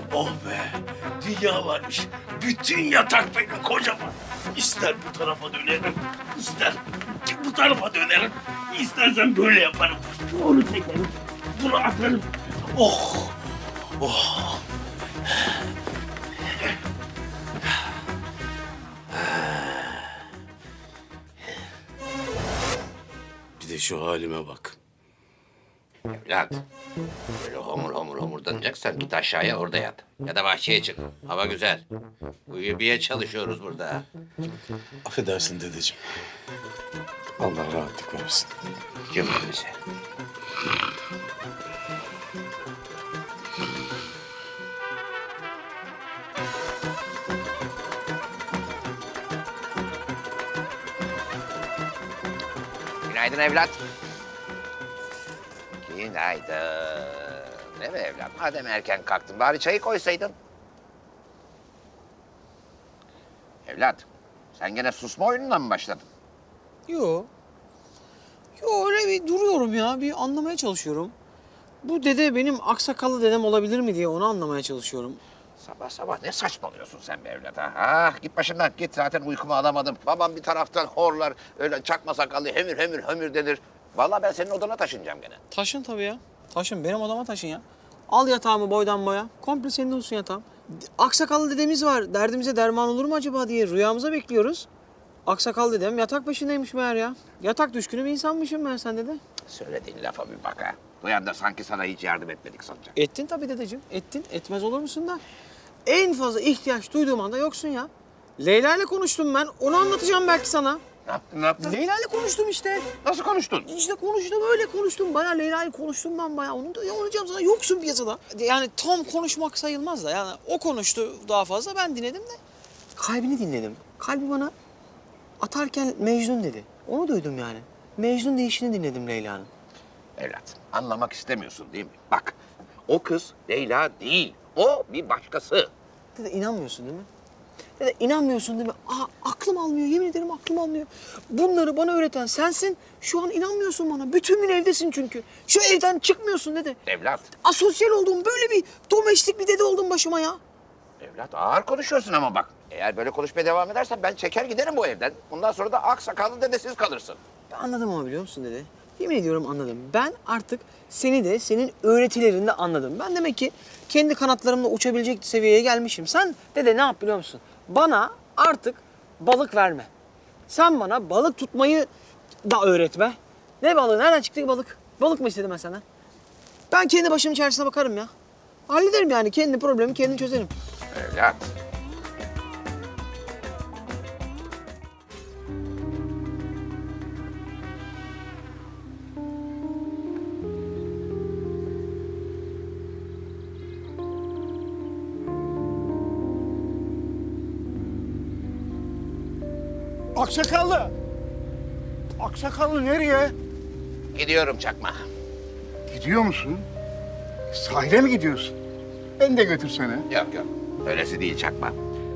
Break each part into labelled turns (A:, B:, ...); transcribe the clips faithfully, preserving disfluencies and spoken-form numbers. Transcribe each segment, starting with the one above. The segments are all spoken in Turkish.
A: Oh be, dünya varmış. Bütün yatak benim kocaman. İster bu tarafa dönerim, ister bu tarafa dönerim. İstersen böyle yaparım. Onu çekerim, bunu atarım. Oh, oh. Bir de şu halime bak.
B: Evlat, böyle homur homur homurdanacaksan git aşağıya orada yat. Ya da bahçeye çık. Hava güzel. Uyumaya çalışıyoruz burada.
A: Affedersin dedeciğim. Allah rahatlık versin.
B: Cümlemize. Günaydın evlat. Günaydın. Değil mi evlat? Madem erken kalktın bari çayı koysaydın. Evlat, sen gene susma oyunundan mı başladın?
C: Yo. Yo öyle bir duruyorum ya. Bir anlamaya çalışıyorum. Bu dede benim aksakallı dedem olabilir mi diye onu anlamaya çalışıyorum.
B: Sabah sabah ne saçmalıyorsun sen be evlat ha? Ah, git başımdan git, zaten uykumu alamadım. Babam bir taraftan horlar, öyle çakma sakallı hemür hemür hömür denir. Vallahi ben senin odana taşınacağım gene.
C: Taşın tabii ya. Taşın. Benim odama taşın ya. Al yatağımı boydan boya. Komple senin olsun yatağım. Aksakallı dedemiz var. Derdimize derman olur mu acaba diye rüyamıza bekliyoruz. Aksakallı dedem yatak başındaymış meğer ya. Yatak düşkünü bir insanmışım ben sen dede.
B: Söylediğin lafa bir bak ha. Duyan da sanki sana hiç yardım etmedik sanacak.
C: Ettin tabii dedeciğim. Ettin. Etmez olur musun da? En fazla ihtiyaç duyduğum anda yoksun ya. Leyla ile konuştum ben. Onu anlatacağım belki sana.
B: Ne yaptın, ne yaptın?
C: Leyla ile konuştum işte.
B: Nasıl konuştun?
C: İşte konuştum öyle konuştum. Bayağı Leyla'yı konuştum ben bayağı. Onu da anlatacağım sana. Yoksun piyasada. Yani tam konuşmak sayılmaz da. Yani o konuştu daha fazla. Ben dinledim de. Kalbini dinledim. Kalbi bana atarken Mecnun dedi. Onu duydum yani. Mecnun deyişini dinledim Leyla'nın.
B: Evlat, anlamak istemiyorsun değil mi? Bak, o kız Leyla değil. O bir başkası.
C: Dede inanmıyorsun değil mi? Dede inanmıyorsun değil mi? Aa, aklım almıyor. Yemin ederim aklım almıyor. Bunları bana öğreten sensin. Şu an inanmıyorsun bana. Bütün gün evdesin çünkü. Şu evden çıkmıyorsun dede.
B: Evlat,
C: Asosyal oldum. Böyle bir domestik bir dede oldum başıma ya.
B: evlat ağır konuşuyorsun ama bak. Eğer böyle konuşmaya devam edersen ben çeker giderim bu evden. Bundan sonra da ak sakallı dedesiz kalırsın.
C: Ben anladım ama biliyor musun dede? Yemin ediyorum anladım. Ben artık seni de senin öğretilerini de anladım. Ben demek ki kendi kanatlarımla uçabilecek seviyeye gelmişim. Sen dede ne yap biliyor musun? Bana artık balık verme. Sen bana balık tutmayı da öğretme. Ne balığı? Nereden çıktı ki balık? Balık mı istedim ben senden? Ben kendi başımın çaresine bakarım ya. Hallederim yani. Kendi problemi kendim çözerim.
B: Evlat.
D: Aksakallı. Aksakallı nereye?
B: Gidiyorum çakma.
D: Gidiyor musun? Sahile mi gidiyorsun? Ben de götürsene.
B: Yok yok. Öylesi değil çakma.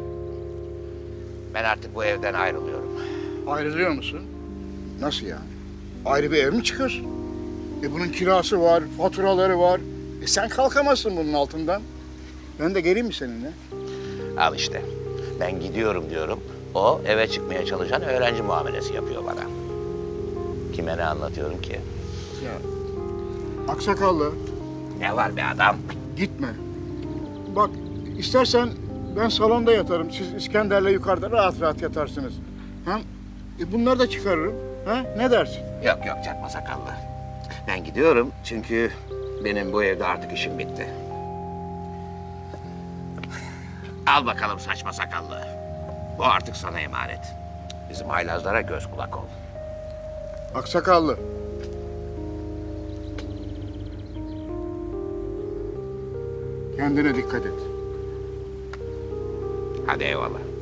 B: Ben artık bu evden ayrılıyorum.
D: Ayrılıyor musun? Nasıl yani? Ayrı bir ev mi çıkıyorsun? E bunun kirası var, faturaları var. E sen kalkamazsın bunun altından. Ben de geleyim mi seninle?
B: Al işte. Ben gidiyorum diyorum. O eve çıkmaya çalışan öğrenci muamelesi yapıyor bana. Kime ne anlatıyorum ki?
D: Ya. Aksakallı,
B: Ne var be adam?
D: gitme. Bak, istersen ben salonda yatarım. Siz İskender'le yukarıda rahat rahat yatarsınız. Hem e bunları da çıkarırım. Ha? Ne dersin?
B: Yok yok çakma sakallı. Ben gidiyorum çünkü benim bu evde artık işim bitti. Al bakalım saçma sakallı. Bu artık sana emanet. Bizim haylazlara göz kulak ol.
D: Aksakallı. Kendine dikkat et.
B: Hadi eyvallah.